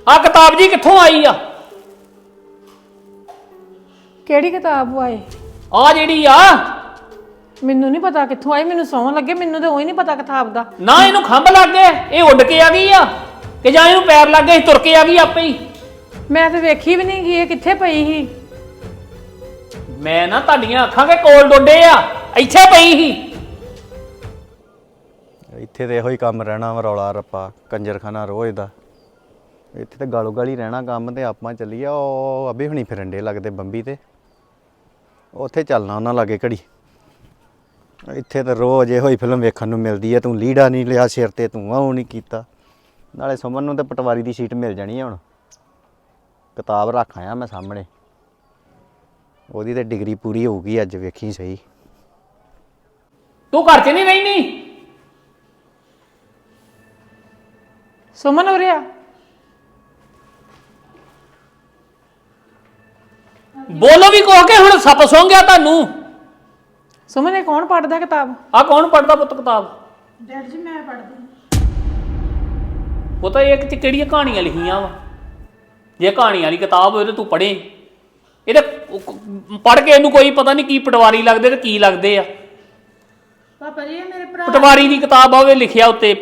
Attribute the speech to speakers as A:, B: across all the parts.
A: ਆ ਕਿਤਾਬ ਜੀ ਕਿੱਥੋਂ ਆਈ ਆ?
B: ਕਿਹੜੀ ਕਿਤਾਬ ਆਏ?
A: ਆ ਜਿਹੜੀ ਆ।
B: ਮੈਨੂੰ ਨਹੀਂ ਪਤਾ ਕਿੱਥੋਂ ਆਈ, ਮੈਨੂੰ ਸੌਂ ਲੱਗੇ, ਮੈਨੂੰ ਤਾਂ ਉਹੀ ਨਹੀਂ ਪਤਾ ਕਿਤਾਬ ਦਾ।
A: ਨਾ ਇਹਨੂੰ ਖੰਭ ਲੱਗ ਗਏ, ਇਹ ਉੱਡ ਕੇ ਆ ਗਈ ਆ ਕਿ ਜਾਂ ਇਹਨੂੰ ਪੈਰ ਲੱਗ ਗਏ ਤੁਰ ਕੇ ਆ ਗਈ ਆਪੇ ਹੀ?
B: ਮੈਂ ਤਾਂ ਵੇਖੀ ਵੀ ਨਹੀਂ ਗਈ ਇਹ ਕਿੱਥੇ ਪਈ ਸੀ।
A: ਮੈਂ ਨਾ ਤੁਹਾਡੀਆਂ ਅੱਖਾਂ ਕੇ ਕੋਲ ਡੋਡੇ ਆ, ਇੱਥੇ ਪਈ ਸੀ।
C: ਇੱਥੇ ਤੇ ਇਹੋ ਹੀ ਕੰਮ ਰਹਿਣਾ ਵਾ, ਰੌਲਾ ਰੱਪਾ ਕੰਜਰਖਾਨਾ ਰੋਜ਼ ਦਾ। ਇੱਥੇ ਤੇ ਗਾਲੋ ਗਾਲੀ ਰਹਿਣਾ ਕੰਮ। ਤੇ ਆਪਾਂ ਚੱਲੀਏ ਉਹ ਅਬੇ ਹੁਣੀ ਫਿਰਨ ਡੇ ਲੱਗਦੇ ਬੰਬੀ ਤੇ, ਉੱਥੇ ਚੱਲਣਾ ਉਹਨਾਂ ਲਾਗੇ ਘੜੀ। ਇੱਥੇ ਤਾਂ ਰੋਜ਼ ਇਹੋ ਹੀ ਫਿਲਮ ਵੇਖਣ ਨੂੰ ਮਿਲਦੀ ਹੈ। ਤੂੰ ਲੀੜਾ ਨਹੀਂ ਲਿਆ ਸਿਰ ਤੇ, ਤੂੰ ਉਹ ਨਹੀਂ ਕੀਤਾ। ਨਾਲੇ ਸੁਮਨ ਨੂੰ ਤੇ ਪਟਵਾਰੀ ਦੀ ਸੀਟ ਮਿਲ ਜਾਣੀ ਹੈ ਹੁਣ। ਕਿਤਾਬ ਰੱਖ ਆਇਆ ਮੈਂ ਸਾਹਮਣੇ, ਉਹਦੀ ਤੇ ਡਿਗਰੀ ਪੂਰੀ ਹੋਊਗੀ ਅੱਜ, ਵੇਖੀ ਸਹੀ।
A: ਤੂੰ ਘਰ 'ਚ ਨਹੀਂ ਰਹਿਣੀ?
B: ਸੁਮਨ ਹੋ ਰਿਹਾ?
A: ਬੋਲੋ ਵੀ ਕਹੋ ਕਿ ਹੁਣ ਸੱਪ ਸੌਂ ਗਿਆ ਤੁਹਾਨੂੰ?
B: ਸੁਮਨ ਇਹ ਕੌਣ ਪੜਦਾ ਕਿਤਾਬ?
A: ਆ ਕੌਣ ਪੜਦਾ ਪੁੱਤ ਕਿਤਾਬ?
B: ਡੈਡ ਜੀ ਮੈਂ ਪੜਦੀ।
A: ਉਹ ਤਾਂ ਇਹ ਕਿਹੜੀਆਂ ਕਹਾਣੀਆਂ ਲਿਖੀਆਂ ਵਾ? ਜੇ ਕਹਾਣੀਆਂ ਵਾਲੀ ਕਿਤਾਬ ਹੋਵੇ ਤਾਂ ਤੂੰ ਪੜ੍ਹੇ। ਇਹਦੇ ਪੜ੍ਹ ਕੇ ਇਹਨੂੰ ਕੋਈ ਪਤਾ ਨਹੀਂ ਕੀ ਪਟਵਾਰੀ ਲੱਗਦੇ ਤੇ ਕੀ ਲੱਗਦੇ ਆ।
B: ਪਾਪਾ ਜੀ ਇਹ ਮੇਰੇ ਭਰਾ
A: ਪਟਵਾਰੀ ਦੀ ਕਿਤਾਬ ਆਵੇ ਲਿਖਿਆ ਉੱਤੇ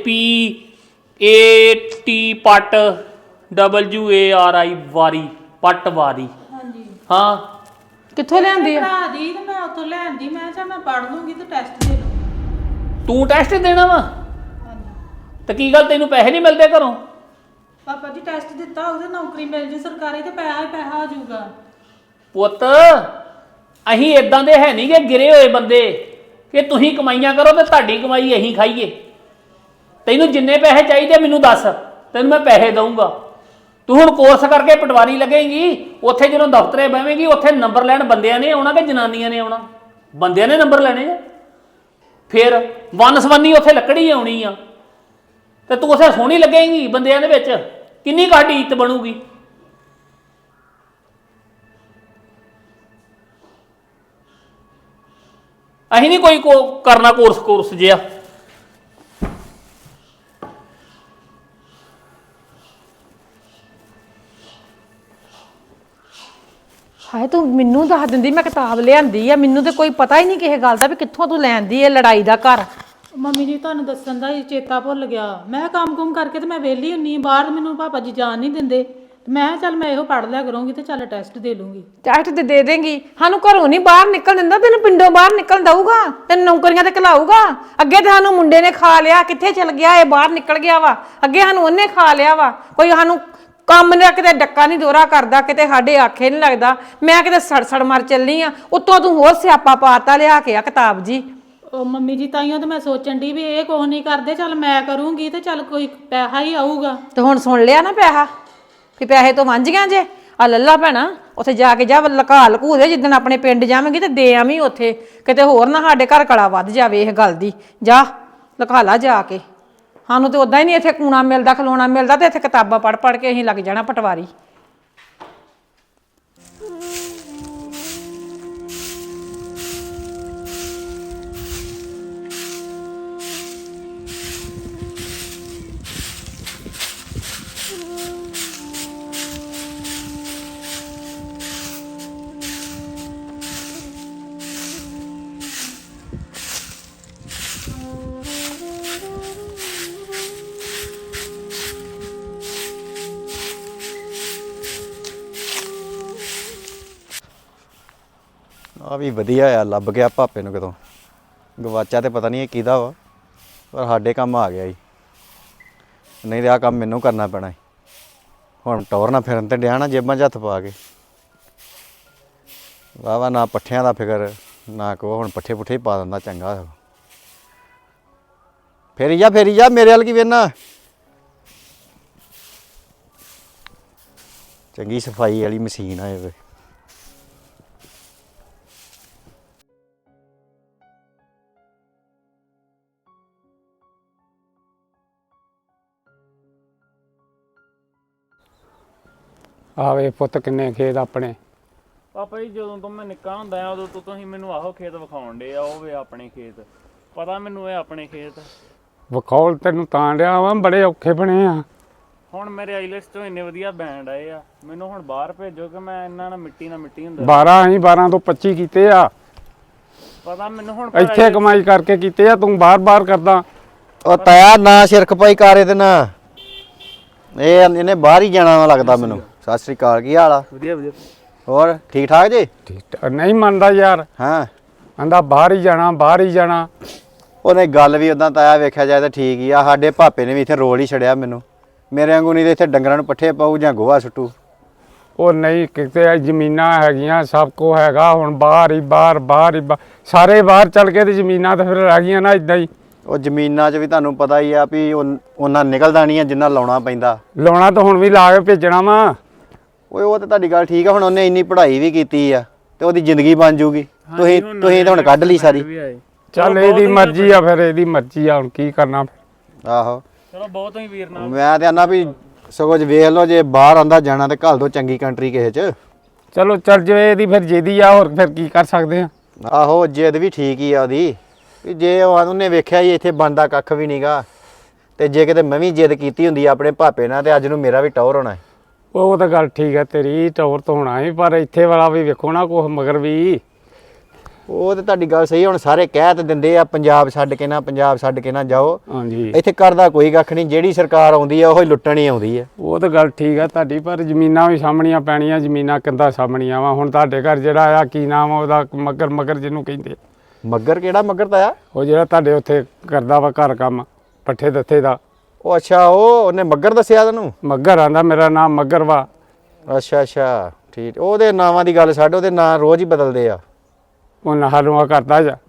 A: PAT ਪਟ WARI ਵਾਰੀ, ਪਟ ਵਾਰੀ।
D: ਹਾਂਜੀ
A: ਹਾਂ
B: ਕਿੱਥੋਂ ਲਿਆਂਦੀ ਆ?
D: ਭਰਾ ਦੀ ਤੇ ਮੈਂ ਉੱਥੋਂ ਲੈਂਦੀ, ਮੈਂ ਕਿਹਾ ਮੈਂ ਪੜ ਲੂੰਗੀ ਤੇ ਟੈਸਟ ਦੇ ਲੂੰ।
A: ਤੂੰ ਟੈਸਟ ਦੇਣਾ ਵਾ?
D: ਹਾਂਜੀ
A: ਤੇ ਕੀ ਗੱਲ ਤੈਨੂੰ ਪੈਸੇ ਨਹੀਂ ਮਿਲਦੇ ਘਰੋਂ?
D: ਪਾਪਾ ਜੀ ਟੈਸਟ ਦਿੱਤਾ, ਉਹਦੇ ਨੌਕਰੀ ਮਿਲ ਜੇ ਸਰਕਾਰੀ ਤੇ ਪੈਸਾ ਹੀ ਪੈਸਾ ਆ ਜਾਊਗਾ।
A: ਪੁੱਤ ਅਸੀਂ ਇਦਾਂ ਦੇ ਹੈ ਨਹੀਂ ਕਿ ਗਿਰੇ ਹੋਏ ਬੰਦੇ ਕਿ ਤੁਸੀਂ ਕਮਾਈਆਂ ਕਰੋ ਤੇ ਤੁਹਾਡੀ ਕਮਾਈ ਅਸੀਂ ਖਾਈਏ। ਤੈਨੂੰ ਜਿੰਨੇ ਪੈਸੇ ਚਾਹੀਦੇ ਮੈਨੂੰ ਦੱਸ, ਤੈਨੂੰ ਮੈਂ ਪੈਸੇ ਦਊਂਗਾ। ਤੂੰ ਹੁਣ ਕੋਰਸ ਕਰਕੇ ਪਟਵਾਰੀ ਲੱਗੇਗੀ, ਉੱਥੇ ਜਦੋਂ ਦਫ਼ਤਰੇ ਬਹਿਵੇਂਗੀ ਉੱਥੇ ਨੰਬਰ ਲੈਣ ਬੰਦਿਆਂ ਨੇ ਆਉਣਾ ਕਿ ਜਨਾਨੀਆਂ ਨੇ ਆਉਣਾ? ਬੰਦਿਆਂ ਨੇ ਨੰਬਰ ਲੈਣੇ ਆ। ਫਿਰ ਵਨਸਵੰਨੀ ਉੱਥੇ ਲੱਕੜੀ ਆਉਣੀ ਆ ਤੇ ਤੂੰ ਉੱਥੇ ਸੋਹਣੀ ਲੱਗੇਗੀ ਬੰਦਿਆਂ ਦੇ ਵਿੱਚ, ਕਿੰਨੀ ਕਾਢੀ ਇੱਜ਼ਤ ਬਣੂਗੀ। ਅਸੀਂ ਨਹੀਂ ਕੋਈ ਕਰਨਾ ਕੋਰਸ ਜਿਹਾ।
B: ਹਾਏ ਤੂੰ ਮੈਨੂੰ ਦੱਸ ਦਿੰਦੀ ਮੈਂ ਕਿਤਾਬ ਲਿਆਂਦੀ ਆ, ਮੈਨੂੰ ਤੇ ਕੋਈ ਪਤਾ ਹੀ ਨਹੀਂ ਕਿਸੇ ਗੱਲ ਦਾ ਵੀ ਕਿੱਥੋਂ ਤੂੰ ਲੈਂਦੀ ਇਹ ਲੜਾਈ ਦਾ ਘਰ।
D: ਮੰਮੀ ਜੀ ਤੁਹਾਨੂੰ ਦੱਸਣ ਦਾ ਹੀ ਚੇਤਾ ਭੁੱਲ ਗਿਆ। ਮੈਂ ਕੰਮ-ਕੁਮ ਕਰਕੇ ਤੇ ਮੈਂ ਵਿਹਲੀ ਹੁੰਨੀ, ਬਾਹਰ ਮੈਨੂੰ ਪਾਪਾ ਜੀ ਜਾਣ ਨਹੀਂ ਦਿੰਦੇ। ਮੈਂ ਕਿਹਾ ਚੱਲ ਮੈਂ ਇਹੋ ਪੜ ਲਿਆ ਕਰੂੰਗੀ ਤੇ ਚੱਲ ਟੈਸਟ ਦੇ ਲੂੰਗੀ।
B: ਟੈਸਟ ਤੇ ਦੇ ਦੇਂਗੀ, ਸਾਨੂੰ ਘਰੋਂ ਨਹੀਂ ਬਾਹਰ ਨਿਕਲ ਦਿੰਦਾ, ਤੈਨੂੰ ਪਿੰਡੋਂ ਬਾਹਰ ਨਿਕਲ ਦਊਗਾ, ਤੈਨੂੰ ਨੌਕਰੀਆਂ ਤੇ ਘਲਾਊਗਾ। ਅੱਗੇ ਤੇ ਸਾਨੂੰ ਮੁੰਡੇ ਨੇ ਖਾ ਲਿਆ, ਕਿੱਥੇ ਚਲ ਗਿਆ ਇਹ? ਬਾਹਰ ਨਿਕਲ ਗਿਆ ਵਾ। ਅੱਗੇ ਸਾਨੂੰ ਉਹਨੇ ਖਾ ਲਿਆ ਵਾ। ਕੋਈ ਸਾਨੂੰ ਕੰਮ ਨੇ ਕਿਤੇ ਡੱਕਾ ਨਹੀਂ ਦੋਰਾ ਕਰਦਾ, ਕਿਤੇ ਸਾਡੇ ਆਖੇ ਨਹੀਂ ਲੱਗਦਾ। ਮੈਂ ਕਿਤੇ ਸੜ ਮਰ ਚੱਲੀ ਆ, ਉੱਤੋਂ ਤੂੰ ਹੋਰ ਸਿਆਪਾ ਪਾਤਾ ਲਿਆ ਕੇ ਆ ਕਿਤਾਬ ਜੀ।
D: ਉਹ ਮੰਮੀ ਜੀ ਤਾਈਓ ਤਾਂ ਮੈਂ ਸੋਚਣ ਦੀ ਵੀ ਇਹ ਕੁਛ ਨਹੀਂ ਕਰਦੇ, ਚੱਲ ਮੈਂ ਕਰੂੰਗੀ ਤੇ ਚੱਲ ਕੋਈ ਪੈਸਾ ਹੀ ਆਊਗਾ।
B: ਤੇ ਹੁਣ ਸੁਣ ਲਿਆ ਨਾ ਪੈਸਾ ਕਿ ਪੈਸੇ ਤੋਂ ਵਾਂਝ ਗਿਆ ਜੇ। ਆ ਲੱਲਾ ਭੈਣਾ ਉੱਥੇ ਜਾ ਕੇ ਜਾ ਲਕਾ ਲਕੂ ਦੇ, ਜਿੱਦਣ ਆਪਣੇ ਪਿੰਡ ਜਾਵਾਂਗੀ ਤੇ ਦੇ ਆਵੀਂ ਉੱਥੇ, ਕਿਤੇ ਹੋਰ ਨਾ ਸਾਡੇ ਘਰ ਕਲਾ ਵੱਧ ਜਾਵੇ ਇਹ ਗੱਲ ਦੀ। ਜਾ ਲਕਾ ਲਾ ਜਾ ਕੇ। ਸਾਨੂੰ ਤੇ ਉਦਾਂ ਹੀ ਨਹੀਂ ਇੱਥੇ ਕੂਣਾ ਮਿਲਦਾ, ਖਲੋਣਾ ਮਿਲਦਾ, ਤੇ ਇੱਥੇ ਕਿਤਾਬਾਂ ਪੜ੍ਹ ਪੜ੍ਹ ਕੇ ਅਸੀਂ ਲੱਗ ਜਾਣਾ ਪਟਵਾਰੀ।
C: ਆ ਵੀ ਵਧੀਆ ਆ, ਲੱਭ ਗਿਆ ਭਾਪੇ ਨੂੰ ਕਿਤੋਂ। ਗਵਾਚਾ ਤੇ ਪਤਾ ਨਹੀਂ ਇਹ ਕਿਹਦਾ ਵਾ, ਪਰ ਸਾਡੇ ਕੰਮ ਆ ਗਿਆ ਜੀ। ਨਹੀਂ ਤੇ ਆਹ ਕੰਮ ਮੈਨੂੰ ਕਰਨਾ ਪੈਣਾ। ਹੁਣ ਟੌਰ ਨਾ ਫਿਰਨ ਤੇ ਡਿਆ ਨਾ ਜੇਬਾਂ 'ਚ ਹੱਥ ਪਾ ਕੇ। ਵਾਹ ਨਾ ਪੱਠਿਆਂ ਦਾ ਫਿਕਰ ਨਾ ਕੋ, ਹੁਣ ਪੱਠੇ ਪੁੱਠੇ ਹੀ ਪਾ ਦਿੰਦਾ ਚੰਗਾ। ਫੇਰੀ ਜਾ ਮੇਰੇ ਵੱਲ ਕੀ ਵੇਖਣਾ। ਚੰਗੀ ਸਫਾਈ ਵਾਲੀ ਮਸ਼ੀਨ ਆ ਇਹ।
E: ਆਵੇ ਪੁੱਤ ਕਿੰਨੇ ਖੇਤ ਆਪਣੇ।
F: ਪਾਪਾ ਜੀ ਜਦੋਂ ਤੋਂ ਮੈਂ ਨਿੱਕਾ ਹੁੰਦਾ ਆ ਉਦੋਂ ਤੋਂ ਤੁਸੀਂ ਮੈਨੂੰ ਆਹੋ ਖੇਤ ਵਿਖਾਉਣ ਡੇ ਆ, ਉਹ ਵੇ ਆਪਣੇ ਖੇਤ। ਪਤਾ ਮੈਨੂੰ ਇਹ ਆਪਣੇ ਖੇਤ
E: ਵਿਖੌਲ ਤੈਨੂੰ ਤਾਂ ਡਿਆ ਵਾ, ਬੜੇ ਔਖੇ ਬਣੇ ਆ।
F: ਹੁਣ ਮੇਰੇ ਆਈਲੈਟਸ ਤੋਂ ਇੰਨੇ ਵਧੀਆ ਬੈਂਡ ਆਏ ਆ, ਮੈਨੂੰ ਹੁਣ ਬਾਹਰ ਭੇਜੋ ਕਿ ਮੈਂ ਇਹਨਾਂ ਨਾਲ ਮਿੱਟੀ ਹੁੰਦਾ।
E: 12 ਅਸੀਂ 12 ਤੋਂ 25 ਕੀਤੇ ਆ,
F: ਪਤਾ ਮੈਨੂੰ ਹੁਣ
E: ਇੱਥੇ ਕਮਾਈ ਕਰਕੇ ਕੀਤੇ ਆ, ਤੂੰ ਬਾਹਰ ਕਰਦਾ।
C: ਉਹ ਤਾਇਆ ਨਾ ਸਿਰ ਖਪਾਈ ਕਰੇ ਤੇ ਨਾ ਇਹਨੇ ਬਾਹਰ ਹੀ ਜਾਣਾ ਵਾ ਲੱਗਦਾ ਮੈਨੂੰ। ਸਤਿ ਸ੍ਰੀ ਅਕਾਲ, ਕੀ ਹਾਲ ਆ?
F: ਵਧੀਆ
C: ਹੋਰ ਠੀਕ ਠਾਕ ਜੀ?
E: ਠੀਕ ਨਹੀਂ ਮੰਨਦਾ ਯਾਰ,
C: ਹਾਂ
E: ਕਹਿੰਦਾ ਬਾਹਰ ਹੀ ਜਾਣਾ।
C: ਉਹਨੇ ਗੱਲ ਵੀ ਉਦਾਂ ਤਾਇਆ ਵੇਖਿਆ ਜਾਏ ਤਾਂ ਠੀਕ ਹੀ ਆ। ਸਾਡੇ ਭਾਪੇ ਨੇ ਵੀ ਇੱਥੇ ਰੋਲ ਹੀ ਛੜਿਆ ਮੈਨੂੰ। ਮੇਰੇ ਵਾਂਗੂ ਨਹੀਂ ਤੇ ਇੱਥੇ ਡੰਗਰਾਂ ਨੂੰ ਪੱਠੇ ਪਾਊ ਜਾਂ ਗੋਹਾ ਸੁੱਟੂ।
E: ਉਹ ਨਹੀਂ, ਕਿਤੇ ਜ਼ਮੀਨਾਂ ਹੈਗੀਆਂ, ਸਭ ਕੁਝ ਹੈਗਾ, ਹੁਣ ਬਾਹਰ ਹੀ ਸਾਰੇ ਬਾਹਰ ਚੱਲ ਕੇ ਤੇ ਜ਼ਮੀਨਾਂ ਤਾਂ ਫਿਰ ਰਹਿ ਗਈਆਂ ਨਾ ਇਦਾਂ ਹੀ।
C: ਉਹ ਜ਼ਮੀਨਾਂ 'ਚ ਵੀ ਤੁਹਾਨੂੰ ਪਤਾ ਹੀ ਆ ਵੀ ਉਹਨਾਂ ਨਿਕਲਦਾ ਨਹੀਂ ਆ ਜਿੰਨਾ ਲਾਉਣਾ ਪੈਂਦਾ।
E: ਲਾਉਣਾ ਤਾਂ ਹੁਣ ਵੀ ਲਾ ਕੇ ਭੇਜਣਾ ਵਾ।
C: ਓਏ ਉਹ ਤਾਂ ਤੁਹਾਡੀ ਗੱਲ ਠੀਕ ਆ, ਹੁਣ ਉਹਨੇ ਇੰਨੀ ਪੜ੍ਹਾਈ ਵੀ ਕੀਤੀ ਆ ਤੇ ਉਹਦੀ ਜ਼ਿੰਦਗੀ ਬਣ ਜੂਗੀ। ਤੁਸੀਂ ਤਾਂ ਹੁਣ ਕੱਢ ਲਈ ਸਾਰੀ।
E: ਚੱਲ ਇਹਦੀ ਮਰਜ਼ੀ ਆ, ਫਿਰ ਇਹਦੀ ਮਰਜ਼ੀ ਆ, ਹੁਣ ਕੀ ਕਰਨਾ ਫਿਰ।
C: ਆਹੋ
F: ਚਲੋ ਬਹੁਤ ਹੀ ਵੀਰ ਨਾਲ
C: ਮੈਂ ਤੇ ਆਨਾ ਵੀ ਸਗੋਂ ਵੇਖ ਲਓ, ਜੇ ਬਾਹਰ ਆਂਦਾ ਜਾਣਾ ਤੇ ਘੱਲ ਦੋ ਚੰਗੀ ਕੰਟਰੀ ਕਿਸੇ 'ਚ।
E: ਚਲੋ ਚੱਲ ਜੇ ਇਹਦੀ ਫਿਰ ਜਿਹਦੀ ਆ, ਹੋਰ ਫਿਰ ਕੀ ਕਰ ਸਕਦੇ ਆ।
C: ਆਹੋ ਜਿੱਦ ਵੀ ਠੀਕ ਹੀ ਆ ਉਹਦੀ, ਵੀ ਜੇ ਉਹਨੇ ਵੇਖਿਆ ਹੀ ਇੱਥੇ ਬਣਦਾ ਕੱਖ ਵੀ ਨਹੀਂਗਾ, ਤੇ ਜੇ ਕਿਤੇ ਮੈਂ ਵੀ ਜਿੱਦ ਕੀਤੀ ਹੁੰਦੀ ਆਪਣੇ ਭਾਪੇ ਨਾਲ ਤੇ ਅੱਜ ਨੂੰ ਮੇਰਾ ਵੀ ਟੌਰ ਹੋਣਾ।
E: ਉਹ ਤਾਂ ਗੱਲ ਠੀਕ ਹੈ ਤੇਰੀ, ਟੌਰ ਤੋਂ ਹੋਣਾ ਹੈ, ਪਰ ਇੱਥੇ ਵਾਲਾ ਵੀ ਵੇਖੋ ਨਾ ਕੁਛ ਮਗਰ ਵੀ।
C: ਉਹ ਤੇ ਤੁਹਾਡੀ ਗੱਲ ਸਹੀ। ਹੁਣ ਸਾਰੇ ਕਹਿ ਤੇ ਦਿੰਦੇ ਆ ਪੰਜਾਬ ਛੱਡ ਕੇ ਨਾ ਜਾਓ।
E: ਹਾਂਜੀ,
C: ਇੱਥੇ ਕਰਦਾ ਕੋਈ ਕੱਖ ਨਹੀਂ, ਜਿਹੜੀ ਸਰਕਾਰ ਆਉਂਦੀ ਆ ਉਹ ਹੀ ਲੁੱਟਣ ਹੀ ਆਉਂਦੀ ਆ।
E: ਉਹ ਤਾਂ ਗੱਲ ਠੀਕ ਹੈ ਤੁਹਾਡੀ, ਪਰ ਜ਼ਮੀਨਾਂ ਵੀ ਸਾਹਮਣੀਆਂ ਪੈਣੀਆਂ, ਜ਼ਮੀਨਾਂ ਕਿੰਦਾ ਸਾਹਮਣੀਆਂ ਵਾ। ਹੁਣ ਤੁਹਾਡੇ ਘਰ ਜਿਹੜਾ ਆ, ਕੀ ਨਾਮ ਆ ਉਹਦਾ, ਮੱਗਰ ਜਿਹਨੂੰ ਕਹਿੰਦੇ।
C: ਮੱਗਰ ਕਿਹੜਾ ਮੱਗਰ ਤਾਇਆ?
E: ਉਹ ਜਿਹੜਾ ਤੁਹਾਡੇ ਉੱਥੇ ਕਰਦਾ ਵਾ ਘਰ ਕੰਮ, ਪੱਠੇ ਦੱਥੇ ਦਾ।
C: ਉਹ ਅੱਛਾ, ਉਹਨੇ ਮੱਗਰ ਦੱਸਿਆ ਤੈਨੂੰ?
E: ਮੱਗਰ ਆਂਦਾ ਮੇਰਾ ਨਾਮ ਮੱਗਰ ਵਾ।
C: ਅੱਛਾ ਠੀਕ। ਉਹਦੇ ਨਾਵਾਂ ਦੀ ਗੱਲ ਛੱਡ, ਉਹਦੇ ਨਾਂ ਰੋਜ਼ ਹੀ ਬਦਲਦੇ ਆ।
E: ਉਹ ਨਹਾਲੂਆ ਕਰਦਾ ਜਾ।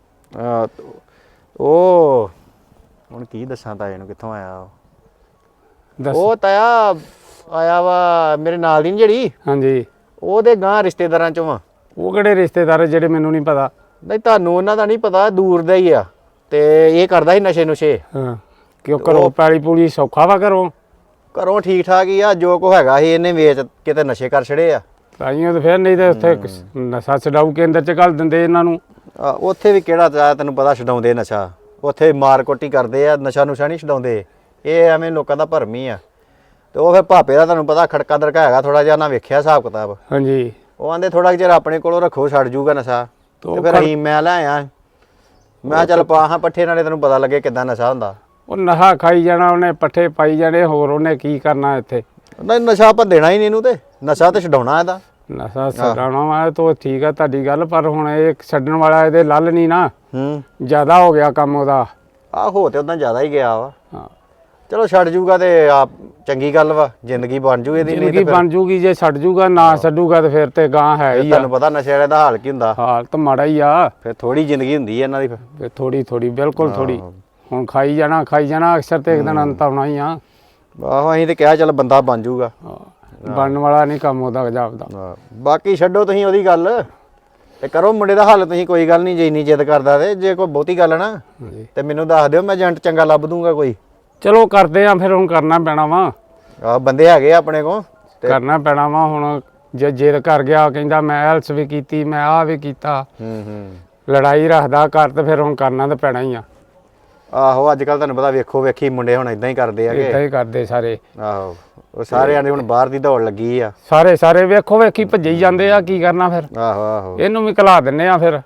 C: ਉਹ ਹੁਣ ਕੀ ਦੱਸਾਂ ਤਾਏ ਨੂੰ ਕਿੱਥੋਂ ਆਇਆ ਉਹ?
E: ਦੱਸ।
C: ਉਹ ਤਾਇਆ ਆਇਆ ਵਾ ਮੇਰੇ ਨਾਲ ਦੀ ਨੀ ਜਿਹੜੀ,
E: ਹਾਂਜੀ,
C: ਉਹਦੇ ਗਾਂ ਰਿਸ਼ਤੇਦਾਰਾਂ ਚੋਂ ਆ।
E: ਉਹ ਕਿਹੜੇ ਰਿਸ਼ਤੇਦਾਰ ਜਿਹੜੇ ਮੈਨੂੰ ਨਹੀਂ ਪਤਾ?
C: ਨਹੀਂ ਤੁਹਾਨੂੰ ਉਹਨਾਂ ਦਾ ਨਹੀਂ ਪਤਾ, ਦੂਰ ਦਾ ਹੀ ਆ। ਤੇ ਇਹ ਕਰਦਾ ਸੀ ਨਸ਼ੇ ਨੁਸ਼ੇ।
E: ਹਾਂ, ਕਿਉਂ ਕਰੋ ਪੈਲੀ ਪੂਲੀ ਸੌਖਾ ਵਾ
C: ਘਰੋਂ ਠੀਕ ਠਾਕ ਹੀ ਆ, ਜੋ ਕੋ ਹੈਗਾ ਸੀ ਇਹਨੇ ਵੇਚ ਕਿਤੇ ਨਸ਼ੇ ਕਰ ਛੜੇ ਆ।
E: ਤਾਈਆਂ ਤੇ ਫਿਰ ਨਹੀਂ ਤੇ ਉੱਥੇ ਨਸ਼ਾ ਛਡਾਊ ਕੇਂਦਰ ਚ ਘੱਲ ਦਿੰਦੇ ਇਹਨਾਂ ਨੂੰ।
C: ਉੱਥੇ ਵੀ ਕਿਹੜਾ ਤਾਇਆ ਤੈਨੂੰ ਪਤਾ ਛਡਾਉਂਦੇ ਨਸ਼ਾ, ਉੱਥੇ ਮਾਰ ਕੁੱਟੀ ਕਰਦੇ ਆ, ਨਸ਼ਾ ਨੁਸ਼ਾ ਨਹੀਂ ਛਡਾਉਂਦੇ। ਇਹ ਐਵੇਂ ਲੋਕਾਂ ਦਾ ਭਰਮ ਹੀ ਆ। ਤੇ ਉਹ ਫਿਰ ਭਾਪੇ ਦਾ ਤੁਹਾਨੂੰ ਪਤਾ ਖੜਕਾ ਦਰਕਾ ਹੈਗਾ ਥੋੜਾ ਜਿਹਾ, ਨਾ ਵੇਖਿਆ ਹਿਸਾਬ ਕਿਤਾਬ।
E: ਹਾਂਜੀ,
C: ਉਹ ਆਂਦੇ ਥੋੜਾ ਜਿਹਾ ਆਪਣੇ ਕੋਲੋਂ ਰੱਖੋ, ਛੱਡ ਜੂਗਾ ਨਸ਼ਾ। ਤੇ ਫਿਰ ਅਸੀਂ ਮੈਂ ਲੈ ਆਇਆ, ਮੈਂ ਚੱਲ ਪਾ ਹਾਂ ਪੱਠੇ, ਨਾਲੇ ਤੈਨੂੰ ਪਤਾ ਲੱਗੇ ਕਿੱਦਾਂ ਨਸ਼ਾ ਹੁੰਦਾ।
E: ਉਹ ਨਸ਼ਾ ਖਾਈ ਜਾਣਾ ਉਹਨੇ, ਪੱਠੇ ਪਾਈ ਜਾਣੇ, ਹੋਰ ਉਹਨੇ ਕੀ ਕਰਨਾ ਇੱਥੇ।
C: ਨਹੀਂ ਨਸ਼ਾ ਆਪਾਂ ਦੇਣਾ ਹੀ ਨਹੀਂ ਇਹਨੂੰ, ਤੇ ਨਸ਼ਾ ਤੇ ਛਡਾਉਣਾ ਇਹਦਾ।
E: ਨਸ਼ਾ ਛਡਾਉਣਾ ਵਾ ਤਾਂ ਠੀਕ ਆ ਤੁਹਾਡੀ ਗੱਲ, ਪਰ ਹੁਣ ਇਹ ਛੱਡਣ ਵਾਲਾ ਇਹਦੇ ਲੱਲ ਨਹੀਂ ਨਾ, ਜ਼ਿਆਦਾ ਹੋ ਗਿਆ ਕੰਮ ਉਹਦਾ।
C: ਆਹੋ ਤੇ ਉਦਾਂ ਜ਼ਿਆਦਾ ਹੀ ਗਿਆ ਵਾ।
E: ਹਾਂ,
C: ਚਲੋ ਛੱਡ ਜੂਗਾ ਤੇ ਆਪ ਚੰਗੀ ਗੱਲ ਵਾ, ਜ਼ਿੰਦਗੀ ਬਣ ਜੂ ਇਹਦੀ।
E: ਜ਼ਿੰਦਗੀ ਬਣ ਜੂਗੀ ਜੇ ਛੱਡ ਜੂਗਾ, ਨਾ ਛੱਡੂਗਾ ਤੇ ਫਿਰ ਤੇ ਗਾਂ ਹੈ ਹੀ ਆ।
C: ਤੁਹਾਨੂੰ ਪਤਾ ਨਸ਼ੇ ਵਾਲੇ ਦਾ ਹਾਲ ਕੀ ਹੁੰਦਾ।
E: ਹਾਲ ਤਾਂ ਮਾੜਾ ਹੀ ਆ।
C: ਫਿਰ ਥੋੜੀ ਜ਼ਿੰਦਗੀ ਹੁੰਦੀ ਹੈ ਇਹਨਾਂ ਦੀ।
E: ਫਿਰ ਥੋੜੀ ਬਿਲਕੁਲ ਥੋੜੀ। ਹੁਣ ਖਾਈ ਜਾਣਾ ਅਕਸਰ ਤੇ ਇੱਕ ਦਿਨ ਅੰਤ ਆਉਣਾ ਹੀ ਆ।
C: ਆਹੋ ਅਸੀਂ ਤੇ ਕਿਹਾ ਚੱਲ ਬੰਦਾ ਬਣ ਜੂਗਾ।
E: ਬਣਨ ਵਾਲਾ ਨਹੀਂ ਕੰਮ ਉਹਦਾ ਜਾਪਦਾ।
C: ਬਾਕੀ ਛੱਡੋ ਤੁਸੀਂ ਉਹਦੀ ਗੱਲ, ਤੇ ਕਰੋ ਮੁੰਡੇ ਦਾ ਹੱਲ ਤੁਸੀਂ। ਕੋਈ ਗੱਲ ਨਹੀਂ, ਜੇ ਇੰਨੀ ਜਿੱਦ ਕਰਦਾ ਤੇ ਜੇ ਕੋਈ ਬਹੁਤੀ ਗੱਲ ਨਾ ਤੇ ਮੈਨੂੰ ਦੱਸ ਦਿਓ, ਮੈਂ ਏਜੰਟ ਚੰਗਾ ਲੱਭ ਦੂੰਗਾ ਕੋਈ।
E: ਚਲੋ ਕਰਦੇ ਆ ਫਿਰ, ਹੁਣ ਕਰਨਾ ਪੈਣਾ ਵਾ।
C: ਆਹ ਬੰਦੇ ਹੈਗੇ ਆਪਣੇ ਕੋਲ,
E: ਕਰਨਾ ਪੈਣਾ ਵਾ ਹੁਣ। ਜੇ ਜਿੱਦ ਕਰ ਗਿਆ, ਕਹਿੰਦਾ ਮੈਂ ਐਲਸ ਵੀ ਕੀਤੀ, ਮੈਂ ਆਹ ਵੀ ਕੀਤਾ, ਲੜਾਈ ਰੱਖਦਾ ਘਰ, ਤੇ ਫਿਰ ਹੁਣ ਕਰਨਾ ਤਾਂ ਪੈਣਾ ਹੀ ਆ।
C: ਆਹੋ ਅੱਜ ਕੱਲ ਤੁਹਾਨੂੰ ਪਤਾ ਵੇਖੋ ਵੇਖੀ ਮੁੰਡੇ ਹੁਣ ਇਦਾਂ ਹੀ ਕਰਦੇ ਆਗੇ।
E: ਇਦਾਂ ਹੀ ਕਰਦੇ ਸਾਰੇ।
C: ਆਹੋ ਉਹ ਸਾਰਿਆਂ ਦੇ ਹੁਣ ਬਾਹਰ ਦੀ ਦੌੜ ਲੱਗੀ ਆ।
E: ਸਾਰੇ ਵੇਖੋ ਵੇਖੀ ਭੱਜੇ ਜਾਂਦੇ ਆ, ਕੀ ਕਰਨਾ ਫਿਰ।
C: ਆਹੋ
E: ਇਹਨੂੰ ਵੀ ਘਲਾ ਦਿੰਨੇ ਆ ਫਿਰ,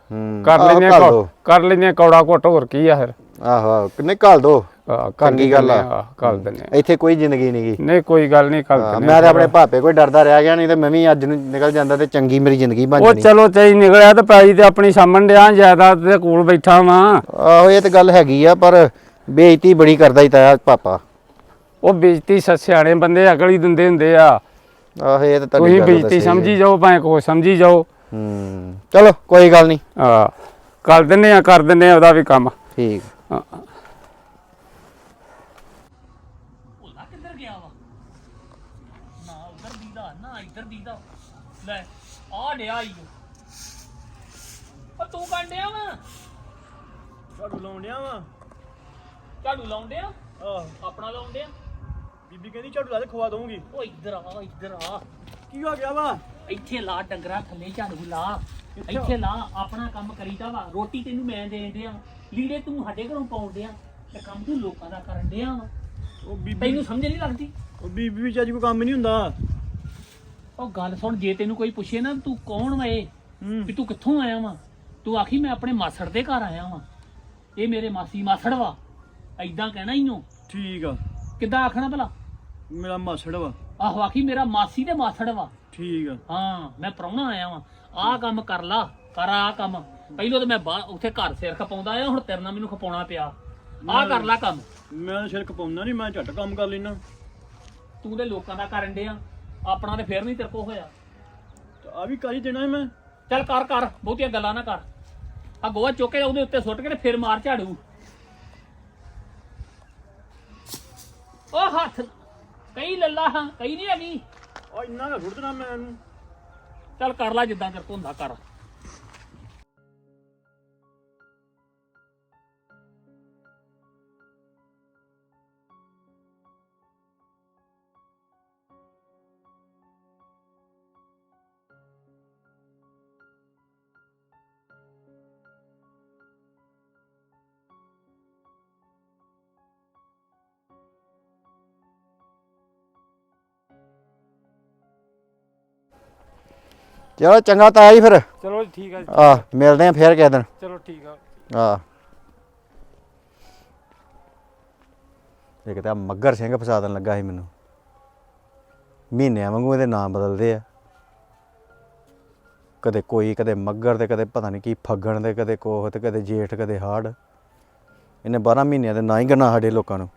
E: ਕਰ ਲੈਂਦੇ ਕੌੜਾ ਘੁੱਟ, ਹੋਰ ਕੀ ਆ ਫਿਰ।
C: ਆਹੋ ਕਿੰਨੇ ਘੱਲ ਦੋ, ਚੰਗੀ ਗੱਲ ਆ।
E: ਘੱਲ ਦਿੰਨੇ
C: ਇੱਥੇ ਕੋਈ ਜ਼ਿੰਦਗੀ ਨਹੀਂਗੀ।
E: ਨਹੀਂ ਕੋਈ ਗੱਲ ਨਹੀਂ, ਘੱਲ ਦਿੰਨੇ।
C: ਮੈਂ ਤਾਂ ਆਪਣੇ ਭਾਪੇ ਕੋਈ ਡਰਦਾ ਰਹਿ ਗਿਆ, ਨਹੀਂ ਤੇ ਮੈਂ ਵੀ ਅੱਜ ਨੂੰ ਨਿਕਲ ਜਾਂਦਾ ਤੇ ਚੰਗੀ ਮੇਰੀ ਜ਼ਿੰਦਗੀ ਬਣ ਜਾਣੀ।
E: ਉਹ ਚਲੋ ਚਾਹੀ ਨਿਕਲਿਆ ਤੇ ਪੈਲੀ ਤੇ ਆਪਣੀ ਸਾਹਮਣ ਡਿਆ, ਜਾਇਦਾਦ ਦੇ ਕੋਲ ਬੈਠਾ ਵਾਂ।
C: ਆਹੋ ਇਹ ਤੇ ਗੱਲ ਹੈਗੀ ਆ, ਪਰ ਬੇਇੱਜ਼ਤੀ ਬੜੀ ਕਰਦਾ ਹੀ ਤਾਇਆ ਪਾਪਾ।
E: ਉਹ ਬੇਇੱਜ਼ਤੀ ਸਿਆਣੇ ਬੰਦੇ ਅਕਲ ਹੀ ਦਿੰਦੇ ਹੁੰਦੇ ਆ।
C: ਆਹੋ ਇਹ ਤਾਂ
E: ਤੁਸੀਂ ਬੇਇੱਜ਼ਤੀ ਸਮਝੀ ਜਾਓ, ਭਾਵੇਂ ਕੋ ਸਮਝੀ ਜਾਓ।
C: ਚਲੋ ਕੋਈ ਗੱਲ ਨਹੀਂ,
E: ਕਰ ਦਿੰਨੇ ਆ ਉਹਦਾ ਵੀ ਕੰਮ।
C: ਠੀਕ।
A: ਭੋਲਾ ਕਿੱਧਰ ਗਿਆ ਵਾ? ਨਾ ਉਧਰ ਦੀਦਾ ਨਾ ਇੱਧਰ ਦੀਦਾ। ਲੈ ਆ ਡਿਆ ਈ ਉਹ। ਤੂੰ ਕੰਡਿਆ ਵਾ?
F: ਝਾੜੂ ਲਾਉਣ ਡਿਆ ਵਾ।
A: ਝਾੜੂ ਲਾਉਣ ਡਿਆ?
F: ਆਹ
A: ਆਪਣਾ ਲਾਉਣ ਡਿਆ?
F: ਬੀਬੀ ਕਹਿੰਦੀ ਝਾੜੂ ਲਾ ਕੇ ਖਵਾ ਦਊਂਗੀ।
A: ਉਹ ਇੱਧਰ ਆ।
F: ਕੀ ਹੋ ਗਿਆ ਵਾ?
A: ਇੱਥੇ ਲਾ ਡੰਗਰਾ ਥੱਲੇ, ਝਾੜੂ ਲਾ ਇੱਥੇ ਲਾ। ਆਪਣਾ ਕੰਮ ਕਰੀਦਾ ਵਾ। ਰੋਟੀ ਤੈਨੂੰ ਮੈਂ ਦੇਣ ਡਿਆ, ਲੀੜੇ ਤੂੰ ਸਾਡੇ ਘਰੋਂ ਪਾਉਣ ਡਿਆ, ਤੇ ਕੰਮ ਤੂੰ ਲੋਕਾਂ ਦਾ ਕਰਨ ਡਿਆ ਵਾ।
F: ਉਹ ਬੀਬੀ
A: ਤੈਨੂੰ ਸਮਝ ਨਹੀਂ ਲੱਗਦੀ?
F: ਉਹ ਬੀਬੀ ਵਿੱਚ ਅੱਜ ਕੋਈ ਕੰਮ ਨਹੀਂ ਹੁੰਦਾ।
A: ਉਹ ਗੱਲ ਸੁਣ, ਜੇ ਤੈਨੂੰ ਕੋਈ ਪੁੱਛੇ ਨਾ ਤੂੰ ਕੌਣ ਵਾ ਇਹ, ਵੀ ਤੂੰ ਕਿੱਥੋਂ ਆਇਆ ਵਾ, ਤੂੰ ਆਖੀ ਮੈਂ ਆਪਣੇ ਮਾਸੜ ਦੇ ਘਰ ਆਇਆ ਵਾਂ, ਇਹ ਮੇਰੇ ਮਾਸੀ ਮਾਸੜ ਵਾ, ਐਦਾਂ ਕਹਿਣਾ ਹੀ ਓ।
F: ਠੀਕ ਆ।
A: ਕਿੱਦਾਂ ਆਖਣਾ ਭਲਾ?
F: ਮੇਰਾ ਮਾਸੜ ਵਾ।
A: ਆਹੋ ਆਖੀ ਮੇਰਾ ਮਾਸੀ ਤੇ ਮਾਸੜ ਵਾ।
F: ਠੀਕ ਆ।
A: ਹਾਂ ਮੈਂ ਪ੍ਰਾਹੁਣਾ ਆਇਆ ਵਾਂ, ਆਹ ਕੰਮ ਕਰ ਲਾ, ਕਰ ਆਹ ਕੰਮ। ਪਹਿਲੋਂ ਤਾਂ ਮੈਂ ਉੱਥੇ ਘਰ ਸਿਰ ਖਪਾਉਂਦਾ ਆ, ਹੁਣ ਤੇਰੇ ਨਾਲ ਮੈਨੂੰ ਖਪਾਉਣਾ ਪਿਆ। ਆਹ ਕਰ ਲਾ ਕੰਮ।
F: ਮੈਂ ਸਿਰ ਖਪਾਉਂਦਾ ਨਹੀਂ, ਮੈਂ ਝੱਟ ਕੰਮ ਕਰ ਲੈਣਾ।
A: ਤੂੰ ਤੇ ਲੋਕਾਂ ਦਾ ਕਰਨ ਡਿਆ, ਆਪਣਾ ਤੇ ਫੇਰ ਨਹੀਂ ਤੇਰੇ ਕੋ ਹੋਇਆ।
F: ਆ ਵੀ ਕਰ ਹੀ ਦੇਣਾ ਮੈਂ।
A: ਚੱਲ ਕਰ ਕਰ, ਬਹੁਤੀਆਂ ਗੱਲਾਂ ਨਾ ਕਰ। ਆ ਗੋਹਾ ਚੁੱਕ ਕੇ ਉਹਦੇ ਉੱਤੇ ਸੁੱਟ ਕੇ ਤੇ ਫਿਰ ਮਾਰ ਝਾੜੂ। ਉਹ ਹੱਥ ਕਈ ਲੱਲਾ ਹਾਂ, ਕਈ ਨਹੀਂ ਹੈਗੀ।
F: ਆ ਇੰਨਾ ਨਾ ਸੁੱਟ ਦੇਣਾ ਮੈਂ ਇਹਨੂੰ।
A: ਚੱਲ ਕਰ ਲੈ ਜਿੱਦਾਂ ਤੇਰੇ ਕੋਲ ਹੁੰਦਾ ਕਰ।
C: ਚਲੋ ਚੰਗਾ ਤਾਇਆ ਜੀ ਫਿਰ।
E: ਚਲੋ ਠੀਕ ਆ ਜੀ।
C: ਆ ਮਿਲਦੇ ਆ ਫੇਰ ਕਿਸੇ ਦਿਨ।
E: ਚਲੋ ਠੀਕ ਆ।
C: ਆ ਇੱਕ ਤਾਂ ਮੱਗਰ ਸਿੰਘ ਫਸਾ ਦੇਣ ਲੱਗਾ ਸੀ ਮੈਨੂੰ, ਮਹੀਨਿਆਂ ਵਾਂਗੂ ਇਹਦੇ ਨਾਮ ਬਦਲਦੇ ਆ, ਕਦੇ ਕੋਈ, ਕਦੇ ਮੱਗਰ ਤੇ ਕਦੇ ਪਤਾ ਨਹੀਂ ਕੀ ਫੱਗਣ ਤੇ ਕਦੇ ਕੋਹ ਤੇ ਕਦੇ ਜੇਠ ਕਦੇ ਹਾੜ। ਇਹਨੇ 12 ਮਹੀਨਿਆਂ ਦੇ ਨਾਂ ਹੀ ਗਣਾ ਸਾਡੇ ਲੋਕਾਂ ਨੂੰ।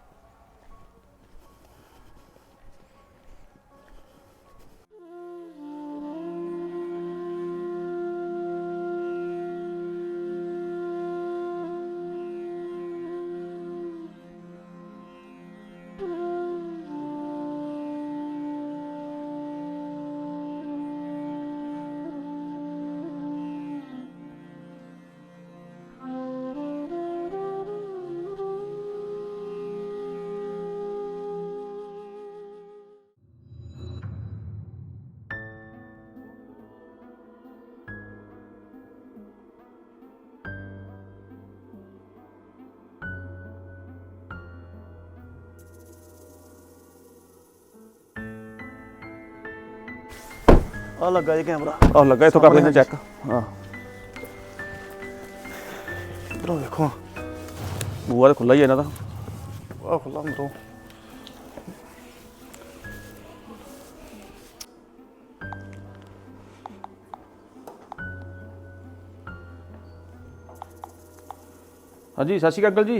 G: ਆ ਲੱਗਾ ਜੀ ਕੈਮਰਾ, ਆ ਲੱਗਾ, ਇੱਥੋਂ ਕਰ ਲੈਂਦੇ ਚੈੱਕ। ਹਾਂ ਇਧਰੋਂ ਦੇਖੋ, ਬੂਹਾ ਤਾਂ ਖੁੱਲਾ ਹੀ ਹੈ ਇਹਨਾਂ ਦਾ। ਆ ਖੁੱਲਾ ਅੰਦਰੋਂ। ਹਾਂਜੀ ਸਤਿ ਸ਼੍ਰੀ ਅਕਾਲ ਜੀ।